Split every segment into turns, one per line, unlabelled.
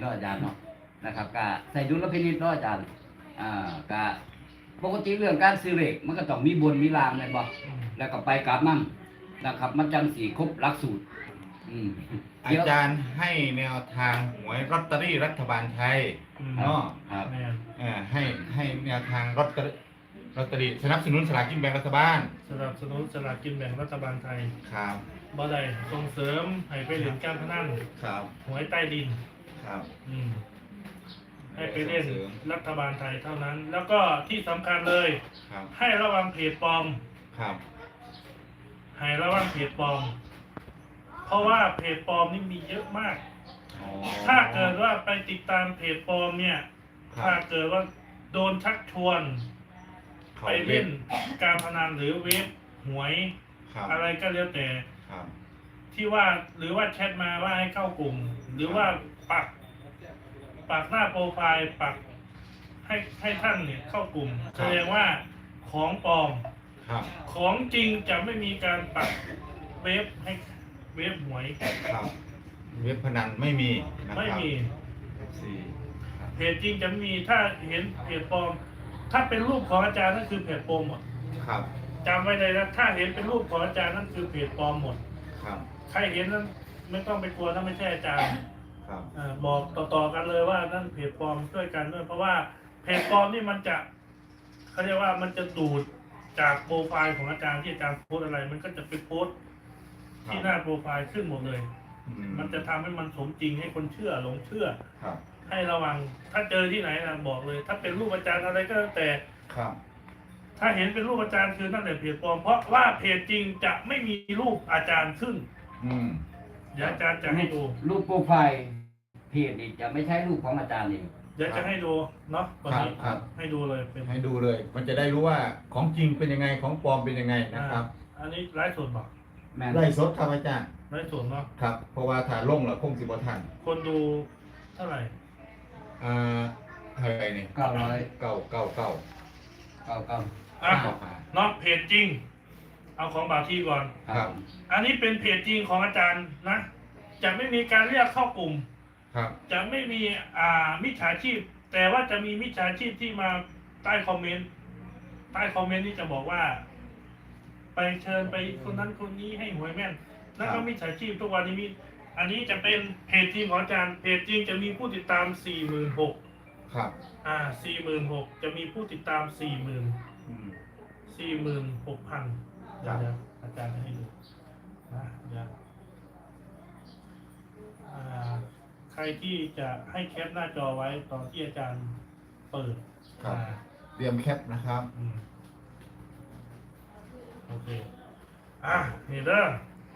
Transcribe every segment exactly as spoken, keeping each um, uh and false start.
เนาะอาจารย์เนาะนะครับก็ใส่ดุลพินิจเนาะอาจารย์อ่าก็ปกติเรื่องการซื้อเลขมันก็ต้องมีบนมีล่างแม่นบ่แล้วก็ไปกลับนั่นนะครับมันจังสิครบหลักสูตรอืม
อาจารย์ให้แนวทางหวยลอตเตอรี่รัฐบาลไทยเนาะ
ครับ
แม่น
เอ่อให้ให้แนวทางลอตเตอรี่ลอตเตอรี่สนับสนุนสลากกินแบ่งรัฐบาล
สนับสนุนสลากกินแบ่งรัฐบาลไทย
ครับ
บ่ได้ส่งเสริมให้ไปเล่นการพนัน
ครับ
หวยใต้ดิน
ครับ
อืมให้ไปเล่นรัฐบาลไทยเท่านั้น แล้วก็ที่สำคัญเลย
ครับ
ให้ระวังเพจปลอม
ครับ
ให้ระวังเพจปลอม เพราะว่าเพจปลอมนี่มีเยอะมาก
อ๋อ
ถ้าเกิดว่าไปติดตามเพจปลอมเนี่ย
ครั
ถ้า
บ
เกิดว่าโดนชักชวน
ขา
ไปเล่นการพนันหรือเว็บหวย
ครับ
อะไรก็แล้วแต่
ครับ
ที่ว่าหรือว่าแชทมาว่าให้เข้ากลุ่ม หรือว่าปักปักหน้าโปรไฟล์ปักให้ให้ท่านเนี่ยเข้ากลุ่มแสดงว่าของปลอม
ครับ
ของจริงจะไม่มีการปักเว็บให้เว็บหวย
ครับเว็บพนันไม่มีนะครับ
ไม่มี
สี่ครับ
เพจจริงจะไม่มีถ้าเห็นเพจปลอม ถ้าเป็นรูปของอาจารย์นั่นคือเพจปลอมหมด
ครับ
จำไว้เลยนะถ้าเห็นเป็นรูปของอาจารย์นั่นคือเพจปลอมหมด
ครับ
ใครเห็นนั้นไม่ต้องไปกลัวถ้าไม่ใช่อาจารย์
ครับ
อ่าบอกต่อๆกันเลยว่านั่นเพจปลอมช่วยกันด้วยเพราะว่าเพจปลอมนี่มันจะเขาเรียกว่ามันจะดูดจากโปรไฟล์ของอาจารย์ที่อาจารย์โพสต์อะไร มันก็จะไปโพสต์ที่หน้าโปรไฟล์ขึ้นหมดเลย
อื
มันจะทำให้มันสมจริงให้คนเชื่อหลงเชื่อ
ครับ
ให้ระวังถ้าเจอที่ไหนนะบอกเลย ถ้าเป็นรูปอาจารย์อะไรก็แล้วแต่
ครับ
ถ้าเห็นเป็นรูปอาจารย์คือนั่นแหละเพจปลอมเพราะว่าเพจจริงจะไม่มีรูปอาจารย์ขึ้น
อืม
เดี๋ยวอาจารย์จะให้ดู
รูปโปรไฟล์เพจนี่จะไม่ใช่รูปของอาจารย์นี่
เดี๋ยวจะให้ดูเนาะวันนี้
ครับ
ให้ดูเลยเป็น
ให้ดูเลย มันจะได้รู้ว่าของจริงเป็นยังไงของปลอมเป็นยังไงนะครับ
อ่าอันนี้ไลฟ์สดบอก
แม่น
ไล่สดครับอาจารย์
ไลฟ์สดเนาะ
ครับ เพราะว่าถ้าลงแล้วคงสิบ่ทัน
คนดูเท่าไหร่
อ่าเท่าไหร่นี่
เก้าร้อย
เก้าเก้าเก้า
เก้าเก้า
อ่ะ
เก้าห้า
เนาะเพจจริง เอาของบาที่ก่อน
ครับ
อันนี้เป็นเพจจริงของอาจารย์นะ จะไม่มีการเรียกเข้ากลุ่ม
ครับ
จะไม่มีอ่ามิจฉาชีพ แต่ว่าจะมีมิจฉาชีพที่มาใต้คอมเมนต์ ใต้คอมเมนต์นี่จะบอกว่า ไปเชิญไปคนนั้นคนนี้ให้หวยแม่น แล้วก็มิจฉาชีพทุกวันนี้มี อันนี้จะเป็นเพจจริงของอาจารย์ เพจจริงจะมีผู้ติดตาม สี่หมื่นหกพัน
ครับ
อ่า สี่หมื่นหกพัน จะมีผู้ติดตาม สี่หมื่น
อืม
สี่หมื่นหกพัน
ครั
เดี๋ย
บ
วอาจารย์จะให้ดูนะเดี๋ยวอ่าใครที่จะให้แคปหน้าจอไว้ตอนที่อาจารย์เปิด
ครับ
อ่า
เตรียมแคปนะครับ
อืมโอเค อ่ะนี่เด้อ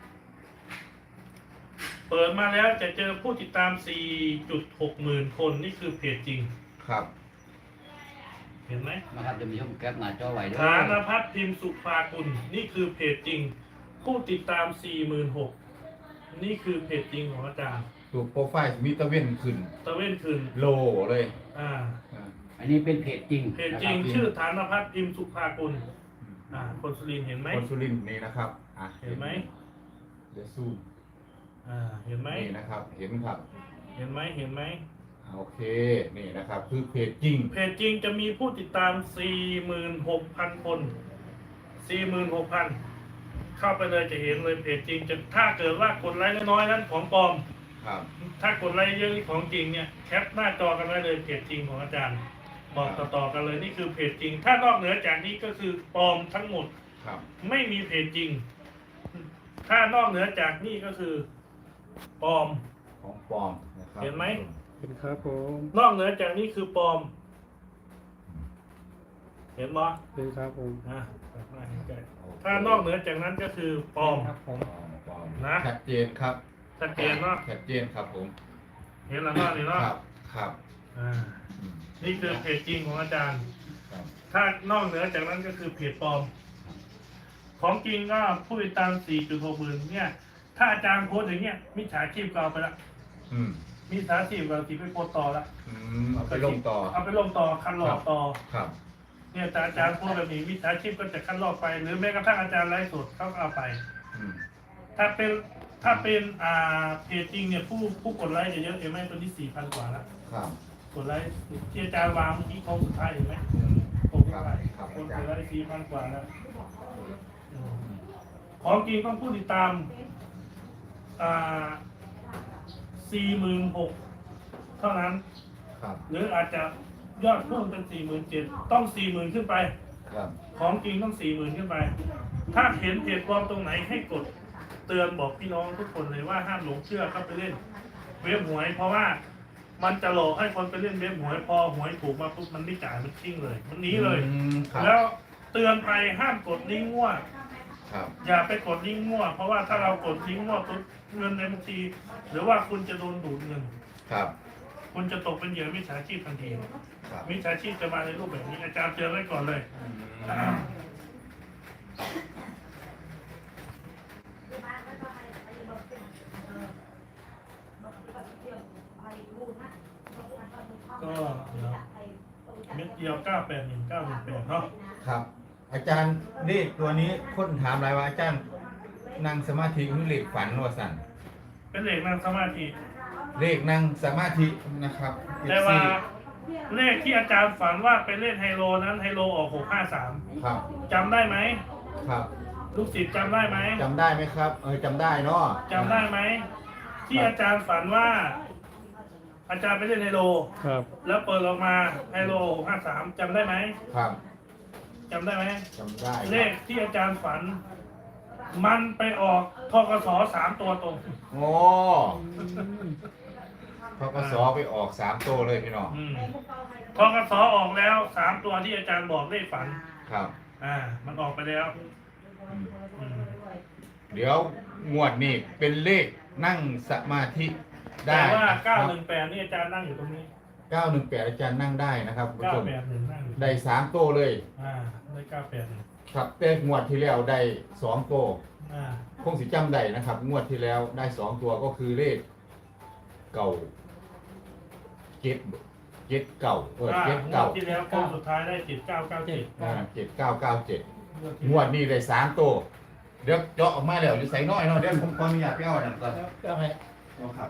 เปิดมาแล้วจะเจอผู้ติดตาม สี่จุดหกหมื่นคน นี่คือเพจจริง
ครับ
เห็นไหม
นะครับจะมีช่องแคปหน้าจอไว้ด้วย
ฐานพัฒน์พิมพ์สุภากุลนี่คือเพจจริง ผู้ติดตาม สี่หมื่นหกพัน นี่คือเพจจริงของอาจารย์
ตัวโปรไฟล์มีตะเวนขึ้น
ตะเว้นคืน
โลเลย
อ่า
อ่า
อันนี้เป็นเพจจริง
เพจจริง
นะคบ
ชื่อฐานพัฒน์พิมพ์สุภากุลอ่า คนสุรินทร์เห็นไหม
คนสุรินทร์นี่นะครับอ่ะ
เห็นไหม
เดี๋ยวซูม
อ่า เห็นไหม
นี่นะครับ เห็นครับ
เห็นไหมเห็นไหม
โอเค นี่นะครับ คือเพจจริง
เพจจริงจะมีผู้ติดตาม สี่หมื่นหกพัน คน สี่หมื่นหกพัน เข้าไปเลยจะเห็นเลยเพจจริง จะถ้าเกิดว่ากดไลค์น้อยๆนั้นของปลอม
ครับ
ถ้ากดไลค์เยอะนี่ของจริงเนี่ยแคปหน้าจอกันไว้เลยเพจจริงของอาจารย์ บอกต่อๆกันเลยนี่คือเพจจริง ถ้านอกเหนือจากนี้ก็คือปลอมทั้งหมด
ครับ
ไม่มีเพจจริง ถ้านอกเหนือจากนี่ก็คือปลอม
ของปลอมนะครับ
เห็นไหม
เป็นครับผม
นอกเหนือจากนี้คือปลอม เห็นไหม
เป็นครับผม
อ่ะถ้านอกเหนือจากนั้นก็คือปลอม
ครับผม
ปลอมปลอม
นะ
ชัดเจนครับ
ชัดเจนเนาะ
ชัดเจนครับผม
เห็นแล้วเนาะนี่เนาะ
ครับ ครับ
อ่า
อืม
นี่คือเพจจริงของอาจารย์
ครับ
ถ้านอกเหนือจากนั้นก็คือเพจปลอม ของจริงก็ผู้ติดตาม สี่จุดหกหมื่นเนี่ย ถ้าอาจารย์โพสต์อย่างเงี้ยมิจฉาชีพก็เอาไปละ
อืม
มิจฉาชีพก็ทีไปโพสต์ต่อละ
อืมเอาไปลงต่อ
เอาไปลงต่อคันหลอกต่อ
ครับ
เนี่ยแต่อาจารย์โพสต์แบบนี้มิจฉาชีพก็จะคันหลอกไป หรือแม้กระทั่งอาจารย์ไลฟ์สดเขาก็เอาไป
อืม
ถ้าเป็นถ้าเป็นอ่าเพจจริงเนี่ยผู้ผู้กดไลค์จะเยอะเห็นไหมตัวนี้สี่พันกว่าแล้ว
ครับ
กดไลค์ที่อาจารย์วางเมื่อกี้โค้งสุดท้ายเห็นไหม
อืม
โค้งสุดท้าย
ครับ
คน
อาก จาร
ด
ย์
ไลค์สี่พันกว่าแล้วอืมของจริงต้องผู้ติดตามอ่าสี่หมื่นหกเท่านั้น
ครับ
หรืออาจจะยอดพุ่งเป็นสี่หมื่นเจ็ดต้องสี่หมื่นขึ้นไป
ครับ
ของจริงต้องสี่หมื่นขึ้นไป ถ้าเห็นเพจปลอมตรงไหนให้กดเตือนบอกพี่น้องทุกคนเลยว่าห้ามหลงเชื่อเข้าไปเล่นเว็บหวย เพราะว่ามันจะหลอกให้คนไปเล่นเว็บหวยพอหวยถูกมาปุ๊บมันไม่จ่ายมันทิ้งเลย มันหนีเลย
อืมครับ
แล้วเตือนไปห้ามกดลิงก์มั่ว
ครับ
อย่าไปกดลิงก์มั่ว เพราะว่าถ้าเรากดลิงก์มั่วปุ๊บเงินในบัญชี หรือว่าคุณจะโดนดูดเงิน
ครับ
คุณจะตกเป็นเหยื่อมิจฉาชีพทันที
ครับ
มิจฉาชีพจะมาในรูปแบบนี้อาจารย์เตือนไว้ก่อนเลย
อืม
ก็เดี๋ยวเม็ดเดียวเก้าแปดหนึ่งเก้าหนึ่งแปดเนาะ
ครับ อาจารย์เลขตัวนี้คนถามหลายว่าอาจารย์นั่งสมาธิหรือเลขฝันว่าสั่น
เป็นเลขนั่งสมาธิ
เลขนั่งสมาธินะครับ
แต่ว่าเลขที่อาจารย์ฝันว่าไปเล่นไฮโลนั้นไฮโลออกหกห้าสาม
ครับ
จำได้ไหม
ครับ
ลูกศิษย์จำได้ไหม
จำได้ไหมครับ เออจำได้เนาะ
จำได้ไหมที่อาจารย์ฝันว่า อาจารย์ไปเล่นไฮโล
ครับ
แล้วเปิดออกมาไฮโลหกห้าสามจำได้ไหม
ครับ
จำได้ไหม
จำได้ครับ
เลขที่อาจารย์ฝัน มันไปออกทกสสามตัวตรง
โอ้พกสไปออกสามตัวเลยพี่น้อง
อืมทกสออกแล้วสามตัวที่อาจารย์บอกเลขฝัน
ครับ
อ่า มันออกไปแล้ว
อืม
อืม
เดี๋ยวงวดนี้เป็นเลขนั่งสมาธิได้
แต่ว่า
นะครั
เก้า
บ
หนึ่งแปดนี่อาจารย์นั่งอยู่ตรงนี้
เก้าหนึ่งแปดอาจารย์นั่งได้นะครับคุณผู้
เก้า
ชม
แปดหนึ่งนั่งอยู่
ได้สามตัวเลย
อ่าได้เก้าแปดหนึ่ง
ครับแต่งวดที่แล้วได้สองตัว
อ่า
คงสิจำได้นะครับ งวดที่แล้วได้สองตัวก็คือเลขเก่าเจ็ดเจ็ดเก่าเออ
อ่า
เจ็ด
งว
เก่า
ดที่แล้วโค้งสุดท้ายได้เจ็ดเก้าเก้าเจ็ด
อ่าเจ็ดเก้าเก้าเจ็ดงวดนี้ได้สามตัวเดี๋ยวเจาะออกมาแล้วหรือใส่น้อยเนาะเดี๋ยวผมขออนุญาตไปเอาอันนั้นก่อน
ก็ให้
เอาครับ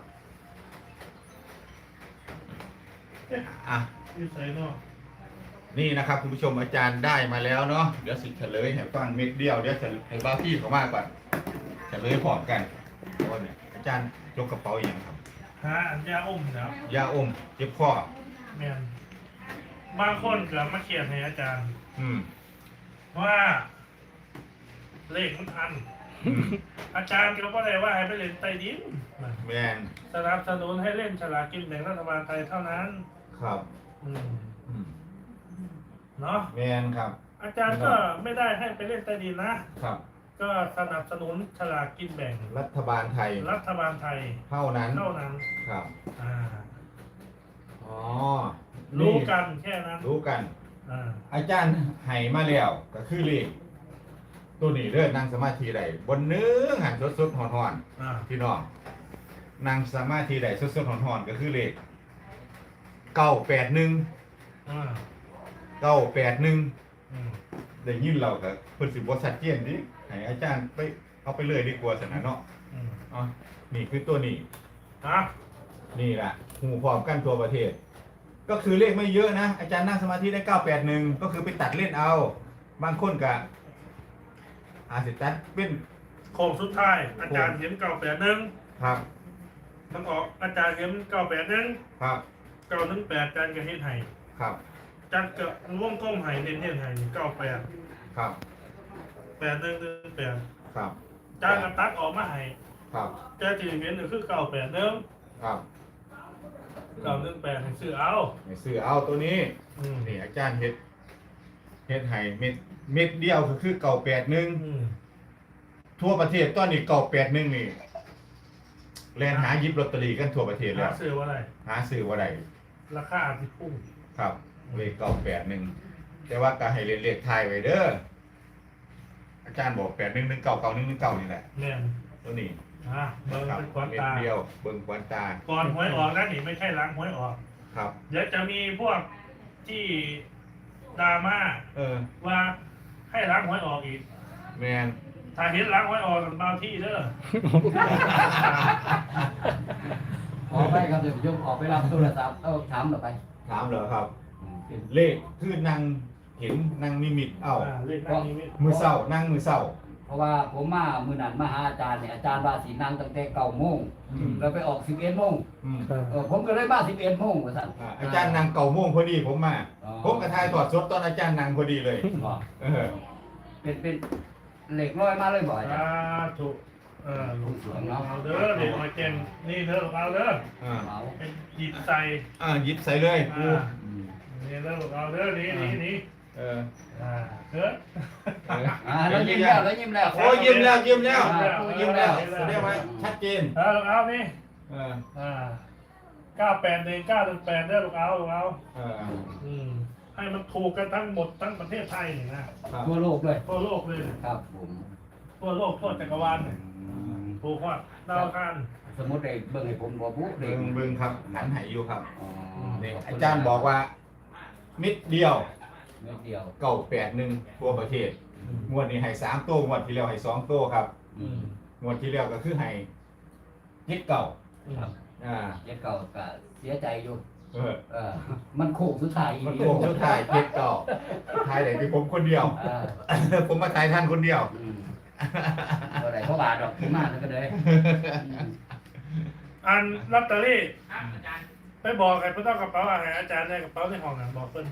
อ่ะ
ที่ใส่เนอก
นี่นะครับคุณผู้ชมอาจารย์ได้มาแล้วเนาะเดี๋ยวสิเฉลยให้ฟังเม็ดเดียวเดี๋ยวจะให้บ้าพี่เขามากก่อนเฉลยพร้อมกันเพราะว่าเนี่ยอาจารย์ยกกระเป๋าอย่างครับ
หาอันยาอมนะครับ
ยาอมเจ็บคอ
แมนบางคนเกิดมาเขียนให้อาจารย์
อืม
ว่า เลขมันอัน
อืม
อาจารย์ก็บ่ได้ว่าให้ไปเล่นใต้ดิน
แมน
สนับสนุนให้เล่นฉลากกินแบ่งรัฐบาลไทยเท่านั้น
ครับ
อืม
อืม
เนาะ
แมนครับ
อาจารย์ก็ไม่ได้ให้ไปเล่นใต้ดินนะ
ครับ
ก็สนับสนุนฉลากกินแบ่ง
รัฐบาลไทย
รัฐบาลไทย
เท่านั้น
เท่านั้น
ครับ
อ่า
อ๋อ
รู้กันแค่นั้น
รู้กัน
อ่า
อาจารย์ให้มาแล้วก็คือเลขตัวนี้เลิศนั่งสมาธิได้บนเนื้อหันสดๆหอน
อ่า
ๆพี่น้องนั่งสมาธิได้สดๆหอนๆก็คือเลขเก้าแปดหนึ่ง
อ่า
เก้าแปดหนึ่ง
อืม
ได้ยินเราก็เพิ่นสิบ่ชัดเจนดิให้อาจารย์ไปเอาไปเลยดีกว่าสนะเนาะ
อืม
อ๋อนี่คือตัวนี้
อ่ะ
นี่แหละหูพร้อมกันทั่วประเทศ ก็คือเลขไม่เยอะนะ อาจารย์นั่งสมาธิได้เก้าแปดหนึ่งก็คือไปตัดเล่นเอา บางคนก็อาจจะตัดเป็น
โค้งสุดท้าย อาจารย์เห็นเก้าแปดหนึ่ง
ครับ
ทั้งออกอาจารย์เห็นเก้าแปดหนึ่ง
ครับ
เก้าหนึ่งแปดอาจารย์ก็เห็นไห้
ครับ
จัดกับวงกลมไห้เน้นเห็นไห้เก้าแปด
ครับ
แปดหนึ่งหนึ่งแปด
ครับ
อาจารย์ก็ตัดออกมาไห้
ครับ
อาจารย์ที่เห็นก็คือเก้าแปดหนึ่ง
ครับ
เก้าหนึ่งแปดให้ซื้อเอา
ให้ซื้อเอาตัวนี้
อืม
นี่อาจารย์เฮ็ดเฮ็ดให้เม็ดเม็ดเดียวก็คือเก้าแปดหนึ่ง
อืม
ทั่วประเทศตอนนี้เก้าแปดหนึ่งนี่แลนหาหยิบลอตเตอรี่กันทั่วประเทศแล้
หาว ซื้อว่าอะไร
หาซื้อว่าได้
ราคาอาจจะพุ่ง
ครับเลขเก้าแปดหนึ่งแต่ว่าก็ให้เรียนเลขไทายไว้เด้ออาจารย์บอกแปดหนึ่งหนึ่งเก้าเก้าหนึ่งหนึ่งเก้านี่แหละ
แน่น
ตัวนี้
อ่ะเบิ่ง
ครับ
เป็นควัน
เม็ด
ตา
เดียวเบิ่งควันตา
ก่อนหวยออกนะนี่ไม่ใช่ล้างหวยออก
ครับ
เดี๋ยวจะมีพวกที่ดราม่า
เออ
ว่าให้ล้างหวยออกอีก
แมน
ถ้าเห็นหลังไว้ออกบางที่เด้อ
ขอไปครับเดี๋ยวผมยกออกไปรับโทรศัพท์เอาถามต่อไป
ถามเหรอครับ
อืมเป็น
เลขคือนางเห็นนางนิมิตเอ้า
อ่าเลขนั่งนี้
มือเศร้านั่งมือเศร้า
เพราะว่าผมมามือนันมาหาอาจารย์เนี่ยอาจารย์ว่าสีนั่งตั้งแต่เก้าโมง
อืม
แล้วไปออกสิบเอ็ดโมง
อืม
ครับ
เออผมก็เลยมาสิบเอ็ดโมงว่าสั่น
อ่าอาจารย์นางเก่าโม่วงพอดีผมมา
อ๋อ
ผมกระทายถอดสดตอนอาจารย์นางพอดีเลย
บ่
เออ
เป็นเป็นเหล็กร้อยมาเลยบ่อาจาร
อ่า
ย์
ถูกเออ
ลูกสวนเนาะ
เอาเด้อเด็กมาเก่งนี่เด้อเอาเด้อ
อ่า
เอา
เป็นหยิบใส่
อ่าหยิบใส่เลยกู
อ่า
อืม
นี่เด้อเอาเด้อนี่นี่นี่
เออ
อ่าเด้อ
เออ
อ่าแล้วยิ้มแล้วแล้วยิ้มแล้ว
โอ้ยยิ้มแล้วยิ้มแล้ว
อ่า
ยิ้มแล้วแสดงว่าชัดเจน
เอาลูกเอานี่
เออ
อ่าเก้าแปดหนึ่งเก้าหนึ่งแปดเด้อลูกเอาลูกเอา
เออ
อืมให้มันถูกกันทั้งหมดทั้งประเทศไทยนี่นะครับ
ทั่วโลกเลย
ทั่วโลกเลย
ครับผม
ทั่วโลกทั่วจักรวาลเลยถูกว่าดาวอังคาร
สมมติได้เบิ่งให้ผมบ่ปุ๊บ
เบิ่งเบิ่งครับหันไหอยู่ครับ
อ๋อ
นี่อาจารย์บอกว่ามิดเดียว
เม็ดเดียว
เก่าแปดหนึ่งทั่วประเทศงวดนี้ให้สามโต้งวดที่แล้วให้สองโต้ครับ
อืม
งวดที่แล้วก็คือให้เจ็ดเก่า
ครับ
อ่า
เจ็ดเก่าก็เสียใจอยู่
เออ
เออมันโค้งสุดท้ายอีก
มันโกงสุดท้ายเจ็ดเก่าทายไหนที่ผมคนเดียว
อ่า
ผมมาทายท่านคนเดียว
อืมบ่ได้เพราะบาทดอกผมมาแล้วก็เลย
อันลอตเตอรี่ไปบอกใครไม่ต้องกระเป๋าอาหารอาจารย์ในกระเป๋าในห้องน่ะบอกเพิ่น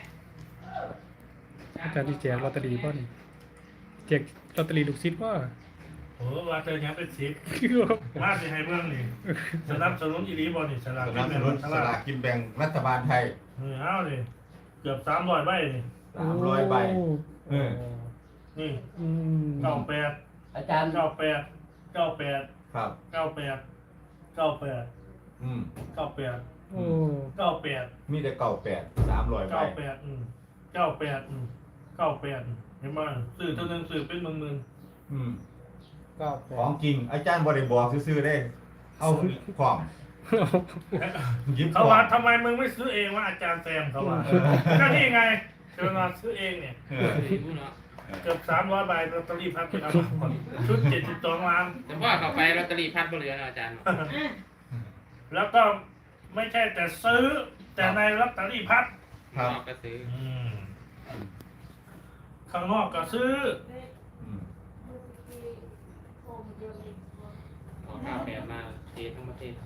อาจารย์ที่แจกลอตเตอรี่ป่ะนี่แจกลอตเตอรี่ลูกศิษย์ป่ะ
โอ้ว่าเจอยังเป็นสิบมาสิให้เบิ่งนี่สนับสนุนอีหลีบ่นี่ฉลาก
ส
กิ
นับ
น
ส
แบ่ง
นุน
ฉ
ส
ลา
ลาก กกินแบ่งรัฐบาลไทย
เออเอาดิเกือบสามร้อยใบนี่
สามร้อยใบ เออ
นี่
อืม
เก้าแปด
อาจารย์
เก้าแปดเก้าแปด
ครับ
เก้าแปดเก้าแปด
อืม
เก้าแปด
โอ้
เก้าแปด
มีแต่เก่าแปดสามร้อยใบ
เก้าแปดอืมเก้าแปดอืมเก้าแปดเห็นไหมสื่อตัวหนึงสื่อเป็นหมื่นหมื่น
อืม
เก้าแป
ของ
ด
จริง อาจารย์บริบอกซื้อๆได้ เอาความหยิบ
เขาว่าทำไมมึงไม่ซื้อเองว่าอาจารย์แซมเขาว่าก็นี่ไงเชิญมาซื้อเองเนี่ย
เออ
เกือบสามร้อยใบลอตเตอรี่พัดเป็นเอามาชุดเจ็ดสิบสองล้าน
แต่ว่าเข้าไปลอตเตอรี่พัดบ่เหลือนะอาจารย์
แล้วก็ไม่ใช่แต่ซื้อ แต่ในลอตเตอรี่พัด
ครับ
นอกก็ซื้อ
อืมข้างนอกก็ซื้อ
อืม
เอาข้าวแปดมาเททั้งประเทศ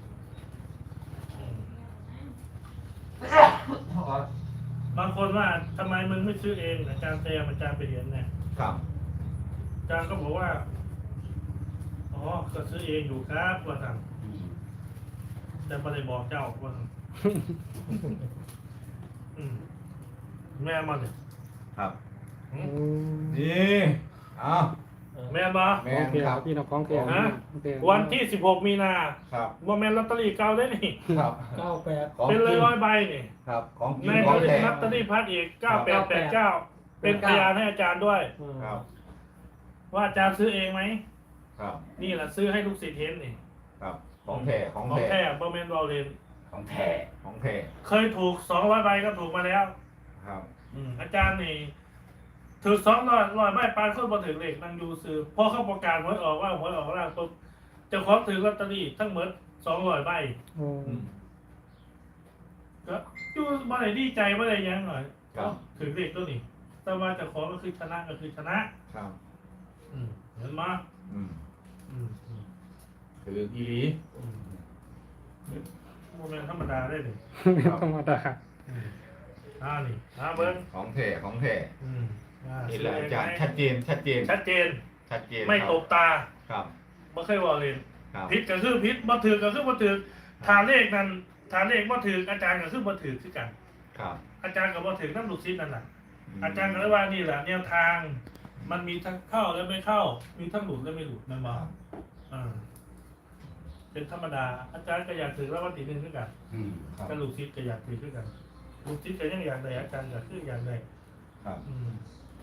บางคนว่าทำไมมึงไม่ซื้อเองอาจารย์แซมอาจารย์ไปเรียนเนี่ย
ครับ
อาจารย์ก็บอกว่าอ๋อก็ซื้อเองอยู่ครับว่าท
อืม
ำแต่ไม่ได้บอกเจ้าว่าทำอืมแม่มาเนี่ย
ครับ
อื
โอ้
ม
นี่เอา
แม่มา
แม่
ของ
น
แท้
ครับ
พี่น้องของแท้
ฮะ
ของแท้
วันที่สิบหกมีนา
ครับ
ว่าแม่นลอตเตอรี่เก่าได้นี่
ครับ
เก้าแปด
ของ
เป็น
จริง
ร้อยๆใบนี่
ครับ ของจริ
ใน
งของแท้
ลอตเตอรี่พัดอีกเก้าแปดแปดเก้าเป็นพยานให้อาจารย์ด้วย
ครับ
ว่าอาจารย์ซื้อเองไหม
ครับ
นี่แหละซื้อให้ลูกศิษย์เห็นนี่
ครับ ของแท้ของ
ของ
แท้
แท้บอมเมนบอลเลน
ของแท้
ของแท้
เคยถูกสองร้อยใบก็ถูกมาแล้ว
ครับ
อืมอาจารย์นี่ถือสองร้อยร้อยใบปานคนบอถึงเลขนางยูซื้อพอเขาประกาศหวยออกว่าหวยออกแล้วปุ๊บเจ้าของถือลอตเตอรี่ทั้งหมดสองร้อยใบ
โอ้
อืม
ก็อยูบ่ได้ดีใจบ่ได้หยังหน่อย
ครับ
ถือเลขตัวนี้ แต่ว่าเจ้าของก็คือชนะก็คือชนะ
ครับ
อืมเห็นไหม
อืม
อืมอืม
คืออีหลี
อืมโมเมนต์ธรรมดาได้เลย
ธรรมดา
อืมอ่านี่อ่าเบิ้ง
ของแท้ของแท้
อืมอ่า
นี่แหละอาจารย์ชัดเจน ชัดเจน
ชัดเจน
ชัดเจน
ไม่
ครับ
ตบตา
ครับ
ไม่เคยว่าเลย
ครับ
พิษก็คือพิษบ่ถือก็คือบ่ถือทาเลขนั้นทาเลขบ่ถืออาจารย์ก็คือบ่ถือคือกัน
ครับ
อาจารย์ก็บ่ถือน้ำลูกศิษย์นั่นน่ะ
ม
อาจารย์ก็เลยว่านี่แหละแนวทาง มันมีทั้งเข้าและไม่เข้า มีทั้งหลุดและไม่หลุดนั่นมาอ่าเป็นธรรมดา อาจารย์ก็อยากถือแล้ววันที่หนึ่งคือกัน
อืม
ครับ
ก็ลูกศิษย์ก็อยากถือคือกัน ลูกศิษย์ก็ยังอยากได้อาจารย์ก็คืออยากได้
ครับ
อืม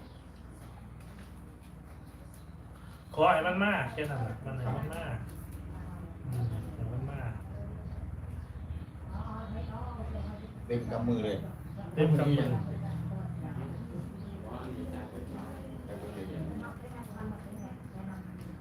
ขอให้มันมากแค่นั้นแหละมันให้มันมากอืมให้มันมาก
เต็มกำมือเลย
เต็มกำมือ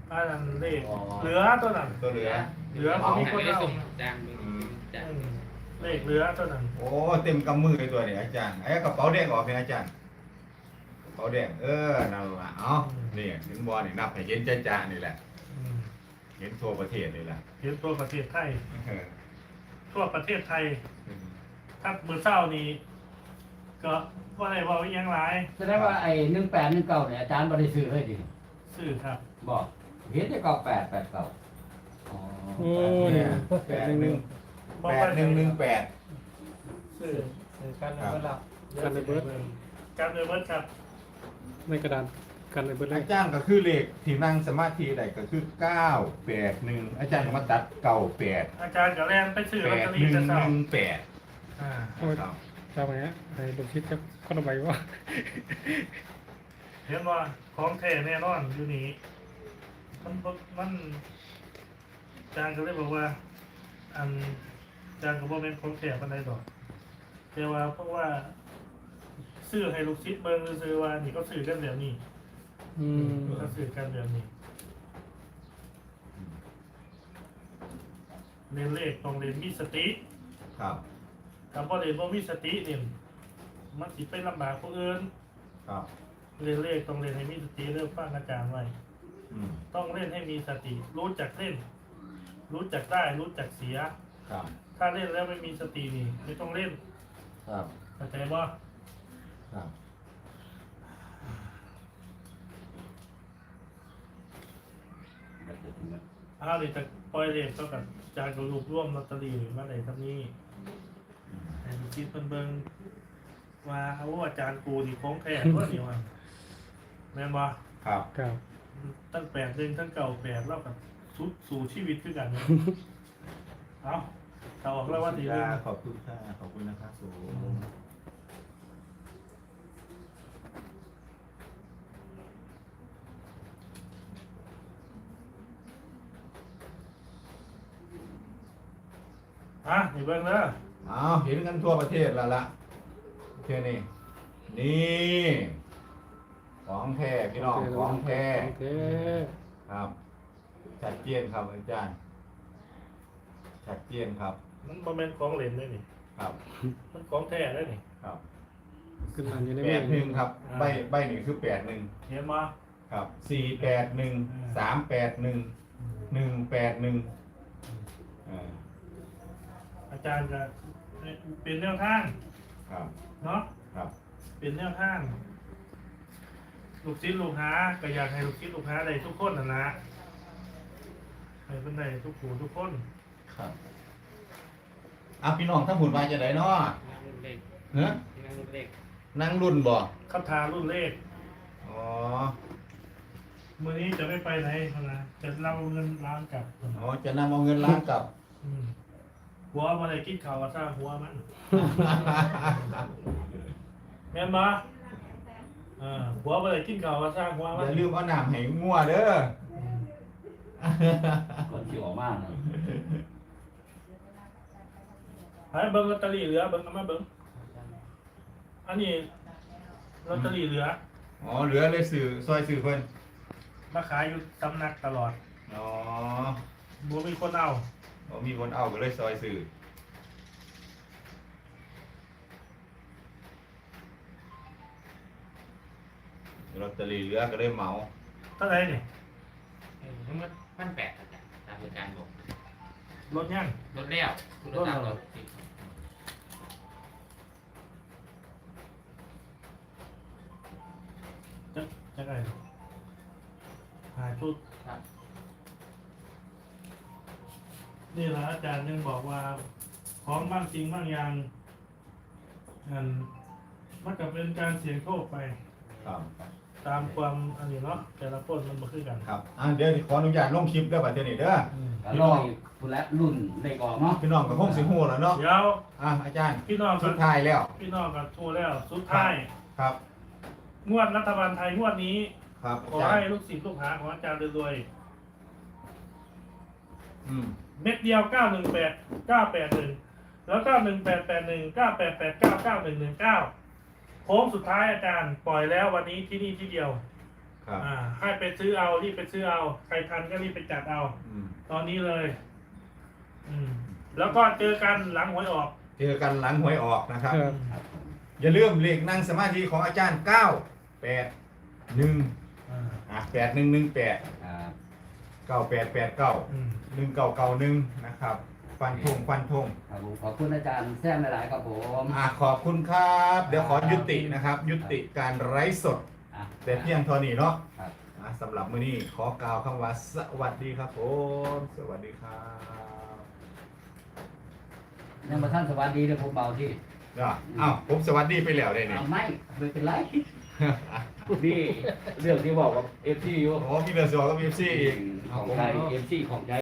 อันนั้นเลขเหลือตัวนั้น
ตัวเหลือ
เหลือผมมีคนเอา
จางมึงจาง
เลขเหลือตัวนั้น
โอ้เต็มกำมือเลยตัวนี้อาจารย์ไอ้กระเป๋าแดงออกเป็นอาจารย์กระเป๋าแดงเออนั่นละเอ้านี่เห็นบอลนี่นับให้เห็นจ้าๆนี่แหละ
อืม
เห็นทั่วประเทศนี่แหละ
เห็นตัวประเทศไทย
เออ
ทั่วประเทศไทยถ้ามือเศร้านี้ก็ว่าอะไรว่ายังไร
แสดงว่าไอ้หนึ่งแปดหนึ่งเก้าเนี่ยอาจารย์บริสุทธิ์เลยดิ
สื่อครับ
บอกเห็นได้เก้าแปดแปดเก้าอ๋อ
โอ้
เนี่ย
เนี่ย
แปดหนึ่งแปดหนึ่งหนึ่งแปด
สื่อ
การเงินหลัก
กันในเบิร์ด
การเดินเบิร์ดครับ
ในกระดานกันในเบิร์ดเล
อาย จารย์ก็คือเลขที่นั่งสมาธิได้ก็คือเก้าแปดหนึ่งอาจารย์ก็มาตัดเก้าแปด
อาจารย์กับแรนไปสื่อ
แป
ลอต
ด
เตอ
ห
รี่
นึ่ง
จะ
ห
เศร้า
นึ่งแปด
อ่า
ครับ
จำไหมฮะไอ้ลูกชิดครับก็ระบายว่า
เห็นว่าของแท้แน่นอนอยู่นี่มันมันอาจารย์ก็เลยบอกว่า อันอาจารย์ก็บอกเป็นของแท้ปันใดดอกแต่ว่าเพราะว่าซื้อให้ลูกศิษย์เบิ่งซื้อว่านี่ก็ซื้อกันแบบนี้
อืม
ก็ซื้อกันแบบนี้เรียนเลขต้องเรียนมีสติ
ครับ
คำว่าเรียนว่ามีสติเนี่ยมันสิไปลำบากผู้อื่น
ครับ
เรียนเลขต้องเรียนให้มีสติเริ่มฟังอาจารย์ไว้
อืม
ต้องเล่นให้มีสติ รู้จักเล่น รู้จักได้รู้จักเสีย
ครับ
ถ้าเล่นแล้วไม่มีสตินี่ไม่ต้องเล่น
ครับ
เข้าใจบ่
ครับ
ถ้าเลยจะปล่อยเลขก็กับอาจารย์ก็รวบรวมลอตเตอรี่มาไหนทำนี้ให้ลูกศิษย์เพิ่นเบิ่งว่าเอาว่าอาจารย์กูนี่ของแท้ตัวนี้ว่าแม่นบ่
ครับ
ครับ
ตั้งแปดเดือนทั้งเก่าแปดแล้วกับสุดสู่ชีวิตคือกันนะ เอาถ้าออกแล้วว่าทีนึง
ขอบคุณค่ะขอบคุณนะครับสูง
อ่ะนี่เบิ่งเด้อ
อ้าวเห็นกันทั่วประเทศแล้วละเท่านี้นี่ของแท้พี่น้องของแท้
ของแท้
ครับชัดเจนครับอาจารย์ชัดเจนครับ
มันบ่แม่นของเล่นเลยนี่
ครับ
มันของแท้เลยนี่
ครับ
ขึ้นมาอยู่ใน
แป
มือ
ดหนึ่งครับใบใบหนึ่งคือแปดหนึ่ง
เห็นบ่
ครับสี่แปดหนึ่งสามแปดหนึ่งหนึ่งแปดหนึ่งอ่า
อาจารย์ก็เป็นแนวทาง
ครับ
เนาะ
ครับ
เป็นแนวทางลูกศิษย์ลูกหาก็อยากให้ลูกศิษย์ลูกหาได้ทุกคนน่ะนะให้เพิ่นได้ทุกผู้ทุกคน
ครับอ่ะพี่น้องถ้าหุ่นมาจะไหนเนาะ
นั่งเลข
เฮ้
นั่งเลข
นั่งรุ่นบ่
คำทารุ่นเลข
อ๋อ
มื้อนี้จะไม่ไปไหนพุ่นนะจะเอาเงินล้านกลับพุ่น
อ๋อจะนำเอาเงินล้านกลับ
อืมหัวบ่ได้กินข้าวก็ซ่าหัวมันแม่นบ่เออหัวบ่ได้กินข้าวก็ซ่าหัว
อ
มัน
ย่าลืมเอาน้ำให้งัวเด้อ
อืม
ก่อนที่ออกมานะ
ให้เบิ่งลอตเตอรี่เหลือเบิ่งเอามาเบิ่งอันนี้ลอตเตอรี่เหลือ
อ๋อเหลือเลยสื่อซอยสื่อเพิ่น
มาขายอยู่ตำหนักตลอด
อ๋อ
บ่มีคนเอา
อ๋อมีคนเอาก็เลยซอยสื่อลอตเตอรี่เหลือก็เลยเหมา
เท่าไหร่นี่
ทั้งหมดพันแปดอาจารย์ตามอาจารย์บอก
รถยัง
ลดแล้วลดตามลด
จะจะไงหาชุด
ครับ
นี่แหละอาจารย์ยังบอกว่า ของบางจริงบางอย่างอันมันก็เป็นการเสี่ยงโชคไป
ครับ
ตามความอันนี้เนาะแต่ละคนมันมาคือกัน
ครับอ่ะเดี๋ยวขออนุญาตลงคลิปเด้อบัดเดี๋ยวนี้เด้อ
อืม
ก็รออีกผู้และรุ่นเลขออกเนาะ
พี่น้องก็คงสิฮู้แล้วเนาะ
เดี๋ยว
อ่ะอาจารย์
พี่น้องกั
สุ
บ
ดท้ายแล้ว
พี่น้องกับทัวร์แล้ว สุดท้าย
ครับ
งวดรัฐบาลไทยงวดนี้
ครับ
ขอ
อาจาร
ให้
ย์
ลูกศิษย์ลูกหาของอาจารย์รวย
อืม
ๆเม็ดเดียวเก้าหนึ่งแปดเก้าแปดหนึ่งแล้วก็หนึ่งแปดแปดหนึ่งเก้าแปดแปดเก้าเก้าหนึ่งหนึ่งเก้าโค้งสุดท้ายอาจารย์ปล่อยแล้ววันนี้ที่นี่ที่เดียว
ครับ
อ่าให้ไปซื้อเอารีบไปซื้อเอาใครทันก็รีบไปจัดเอา
อืม
ตอนนี้เลย อืม แล้วก็เจอกันหลังหวยออก
เจอกันหลังหวยออกนะครับ
ครับ
ครับผม
อย่าลืมเลขนั่งสมาธิของอาจารย์เก้าแปดหนึ่ง
อ่า
อ่ะแปดหนึ่งหนึ่งแปด
ครับ
เก้าแปดแปดเก้า
อืม
หนึ่งเก้าเก้าหนึ่งนะครับ ฟันธงฟันธง
ครับผมขอบคุณอาจารย์แซมหลายๆครับผม
อ่ะขอบคุณครับ เดี๋ยวขอยุตินะครับ ยุติการไร้สด
อ่ะ
แต่เพียงเท่านี้เนาะ
ครับ
อ่ะสำหรับมื้อนี้ขอกล่าวคำว่าสวัสดีครับผมสวัสดีครับ
ยังมาท่านสวัสดีเลยผมเบาที่
อ่ะอ้าวผมสวัสดีไปแล้วได้เนี่ย
เอาไม่ไม่เป็นไรนี่เรื่องที่บอกกับเอฟซีอยู่
โอ้พี่เบลสวกับพีเอฟซีอีก
ของไทยเอฟซีของไทย